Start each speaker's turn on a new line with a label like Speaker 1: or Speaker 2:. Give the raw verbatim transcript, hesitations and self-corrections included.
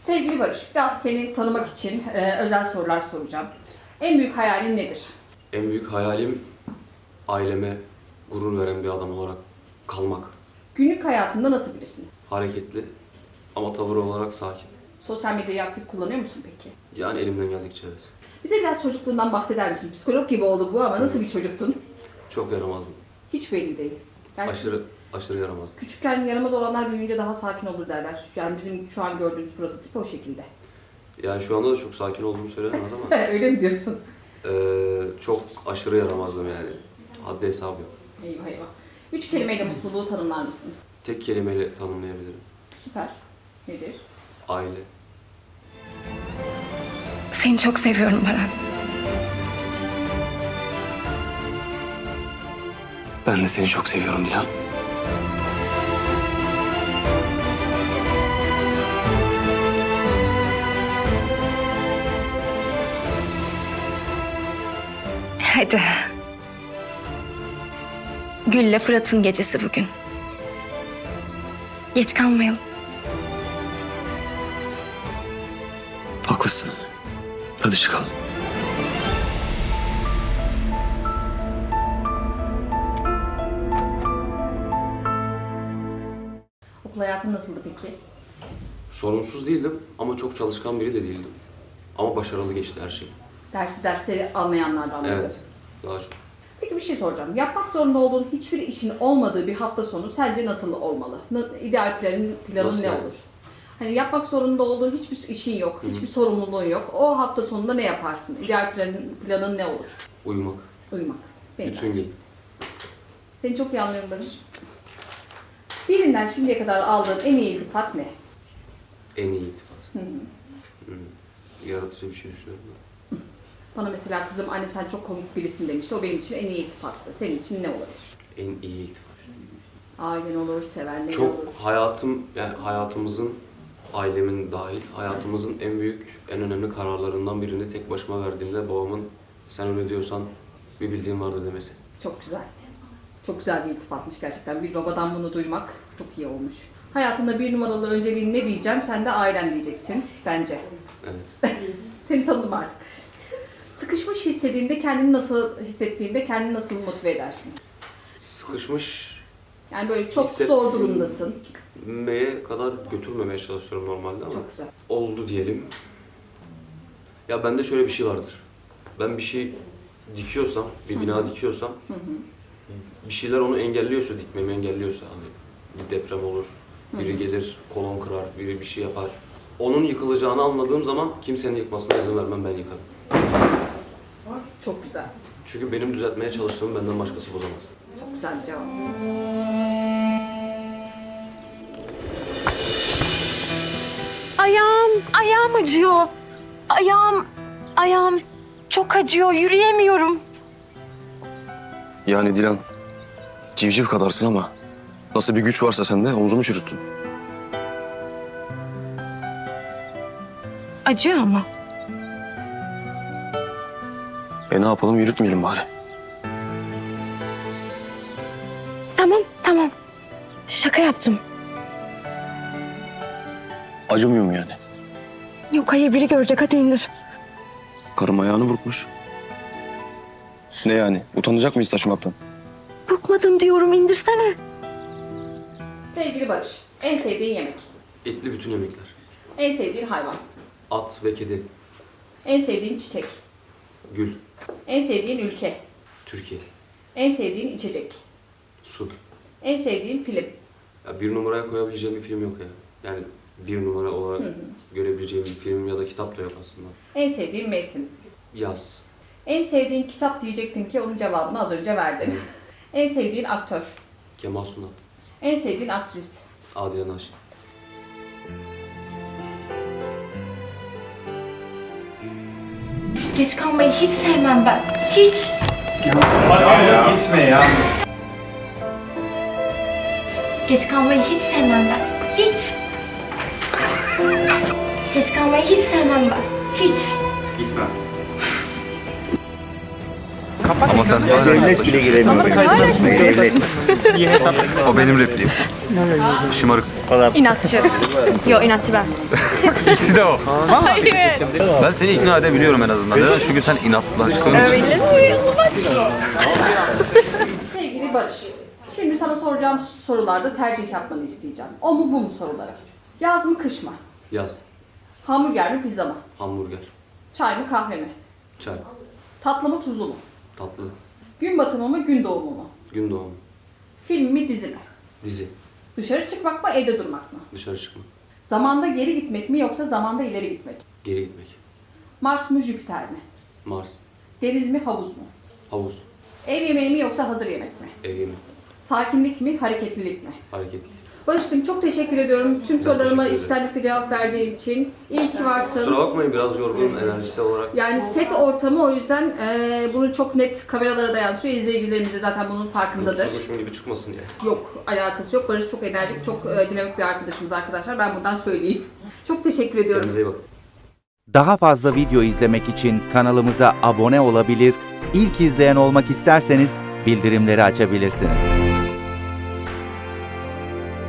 Speaker 1: Sevgili Barış, biraz seni tanımak için e, özel sorular soracağım. En büyük hayalin nedir?
Speaker 2: En büyük hayalim aileme gurur veren bir adam olarak kalmak.
Speaker 1: Günlük hayatında nasıl birisin?
Speaker 2: Hareketli ama tavır olarak sakin.
Speaker 1: Sosyal medyayı aktif kullanıyor musun peki?
Speaker 2: Yani elimden geldikçe evet.
Speaker 1: Bize biraz çocukluğundan bahseder misin? Psikolog gibi oldu bu ama nasıl bir çocuktun?
Speaker 2: Çok yaramazdım.
Speaker 1: Hiç belli değil. Gerçi
Speaker 2: Aşırı aşırı yaramazdım.
Speaker 1: küçükken yaramaz olanlar büyüyünce daha sakin olur derler. Yani bizim şu an gördüğümüz prototip o şekilde.
Speaker 2: Yani şu anda da çok sakin olduğumu söylenemez ama
Speaker 1: Öyle mi diyorsun?
Speaker 2: eee, çok aşırı yaramazdım yani. Haddi hesabı yok.
Speaker 1: Eyvah eyvah. Üç kelimeyle mutluluğu tanımlar mısın?
Speaker 2: Tek kelimeyle tanımlayabilirim.
Speaker 1: Süper. Nedir?
Speaker 2: Aile.
Speaker 3: Seni çok seviyorum Baran.
Speaker 4: Ben de seni çok seviyorum Dilan.
Speaker 3: Hadi. Gül'le Fırat'ın gecesi bugün. Geç kalmayalım.
Speaker 4: Haklısın. Hadi çıkalım.
Speaker 1: Okul hayatın nasıldı peki?
Speaker 2: Sorumsuz değildim ama çok çalışkan biri de değildim. Ama başarılı geçti her şey.
Speaker 1: Dersi derste anlayanlardan mıydı?
Speaker 2: Evet. Daha çok.
Speaker 1: Peki bir şey soracağım. Yapmak zorunda olduğun hiçbir işin olmadığı bir hafta sonu sence nasıl olmalı? Na- İdeal planın, planın
Speaker 2: Nasıl
Speaker 1: ne
Speaker 2: yani?
Speaker 1: olur? Hani yapmak zorunda olduğun hiçbir işin yok,
Speaker 2: Hı hı.
Speaker 1: hiçbir sorumluluğun yok. O hafta sonunda ne yaparsın? İdeal planın, planın ne olur?
Speaker 2: Uyumak.
Speaker 1: Uyumak. Benim
Speaker 2: Bütün gün.
Speaker 1: Seni çok iyi anlıyorum Barış. Birinden şimdiye kadar aldığın en iyi iltifat ne?
Speaker 2: En iyi iltifat.
Speaker 1: Hı hı.
Speaker 2: Hmm. Yaratıcı bir şey düşünüyorum ben.
Speaker 1: Bana mesela kızım anne sen çok komik birisin demişti. O benim için en iyi iltifattı. Senin için ne olabilir?
Speaker 2: En iyi iltifat.
Speaker 1: Ailen olur, sevenlerin
Speaker 2: Çok
Speaker 1: olur.
Speaker 2: hayatım, yani hayatımızın, ailemin dahil, hayatımızın en büyük, en önemli kararlarından birini tek başıma verdiğimde babamın sen öyle diyorsan bir bildiğin vardır demesi.
Speaker 1: Çok güzel. Çok güzel bir iltifatmış gerçekten. Bir babadan bunu duymak çok iyi olmuş. Hayatında bir numaralı önceliğin ne diyeceğim? Sen de ailen diyeceksin bence.
Speaker 2: Evet.
Speaker 1: Seni tanıdım artık. Sıkışmış hissettiğinde kendini nasıl hissettiğinde kendini nasıl motive edersin?
Speaker 2: Sıkışmış
Speaker 1: Yani böyle çok
Speaker 2: Hisset-
Speaker 1: zor durumdasın.
Speaker 2: meye kadar götürmemeye çalışıyorum normalde ama
Speaker 1: Çok güzel.
Speaker 2: oldu diyelim. Ya bende şöyle bir şey vardır. Ben bir şey dikiyorsam, bir bina dikiyorsam,
Speaker 1: Hı hı.
Speaker 2: bir şeyler onu engelliyorsa, dikmemi engelliyorsa, hani bir deprem olur, biri gelir kolon kırar, biri bir şey yapar. Onun yıkılacağını anladığım zaman kimsenin yıkmasına izin vermem, ben yıkarım.
Speaker 1: Çok güzel.
Speaker 2: Çünkü benim düzeltmeye çalıştığımı benden başkası bozamaz.
Speaker 1: Çok güzel bir cevap.
Speaker 3: Ayağım, ayağım acıyor. Ayağım, ayağım çok acıyor. Yürüyemiyorum.
Speaker 4: Yani Dilan, civciv kadarsın ama nasıl bir güç varsa sende omzumu çürüttün.
Speaker 3: Acıyor ama.
Speaker 4: E ne yapalım, yürütmeyelim bari.
Speaker 3: Tamam, tamam. Şaka yaptım.
Speaker 4: Acımıyor mu yani?
Speaker 3: Yok hayır biri görecek hadi indir.
Speaker 4: Karım ayağını burkmuş. Ne yani? Utanacak mıyız taşımaktan?
Speaker 3: Burkmadım diyorum indirsene.
Speaker 1: Sevgili Barış, en sevdiğin yemek,
Speaker 2: Etli bütün yemekler.
Speaker 1: en sevdiğin hayvan,
Speaker 2: At ve kedi.
Speaker 1: en sevdiğin çiçek,
Speaker 2: Gül.
Speaker 1: en sevdiğin ülke,
Speaker 2: Türkiye.
Speaker 1: en sevdiğin içecek,
Speaker 2: Su.
Speaker 1: en sevdiğin film,
Speaker 2: Ya bir numaraya koyabileceğim bir film yok ya. Yani bir numara olarak görebileceğim bir film ya da kitap da yok aslında.
Speaker 1: en sevdiğin mevsim.
Speaker 2: Yaz.
Speaker 1: En sevdiğin kitap diyecektin ki onun cevabını az önce verdin. En sevdiğin aktör,
Speaker 2: Kemal Sunal.
Speaker 1: en sevdiğin aktris,
Speaker 2: Adile Naşit.
Speaker 3: Geç kalmayı hiç sevmem ben. Hiç.
Speaker 5: Hadi ya. Gitme ya.
Speaker 3: Geç kalmayı hiç sevmem ben. Hiç. Geç kalmayı hiç sevmem ben. Hiç.
Speaker 5: Gitme.
Speaker 6: Ama sen bana yaklaşıyorsun.
Speaker 7: Ama sen hala şimdi
Speaker 5: İyi hesap.
Speaker 6: O benim repliğim. Şımarık.
Speaker 7: inatçı. Yo inatçı ben.
Speaker 6: İkisi de o.
Speaker 7: Hayır.
Speaker 6: Ben seni ikna edebiliyorum en azından. Neden? Çünkü sen inatlaştığın için.
Speaker 7: Öyle mi?
Speaker 1: Sevgili Barış, şimdi sana soracağım sorularda tercih yapmanı isteyeceğim. O mu bu mu soruları? Yaz mı kış mı?
Speaker 2: Yaz,
Speaker 1: Hamburger mi pizza mı?
Speaker 2: hamburger,
Speaker 1: Çay mı kahve mi?
Speaker 2: çay,
Speaker 1: Tatlı mı tuzlu mu?
Speaker 2: tatlı,
Speaker 1: Gün batımı mı gün doğumu mu?
Speaker 2: gün doğumu,
Speaker 1: Film mi dizi mi?
Speaker 2: dizi,
Speaker 1: Dışarı çıkmak mı evde durmak mı?
Speaker 2: dışarı çıkma,
Speaker 1: Zamanda geri gitmek mi yoksa zamanda ileri gitmek?
Speaker 2: geri gitmek,
Speaker 1: Mars mı Jüpiter mi?
Speaker 2: Mars,
Speaker 1: Deniz mi havuz mu?
Speaker 2: havuz,
Speaker 1: Ev yemeği mi yoksa hazır yemek mi?
Speaker 2: ev yemeği,
Speaker 1: Sakinlik mi hareketlilik mi?
Speaker 2: hareketli.
Speaker 1: Barış'cığım çok teşekkür ediyorum tüm
Speaker 2: Ben
Speaker 1: sorularıma
Speaker 2: teşekkür ederim.
Speaker 1: içtenlikle cevap verdiğin için. İyi ki varsın.
Speaker 2: Kusura bakmayın biraz yorgunum enerjisi olarak.
Speaker 1: Yani set ortamı o yüzden e, bunu çok net kameralara da yansıyor. İzleyicilerimiz de zaten bunun farkındadır.
Speaker 2: Mutsuzmuşum gibi çıkmasın diye.
Speaker 1: Yok, alakası yok. Barış çok enerjik, çok e, dinamik bir arkadaşımız arkadaşlar. Ben buradan söyleyeyim. Çok teşekkür ediyorum.
Speaker 2: Kendinize iyi bakın.
Speaker 8: Daha fazla video izlemek için kanalımıza abone olabilir, ilk izleyen olmak isterseniz bildirimleri açabilirsiniz.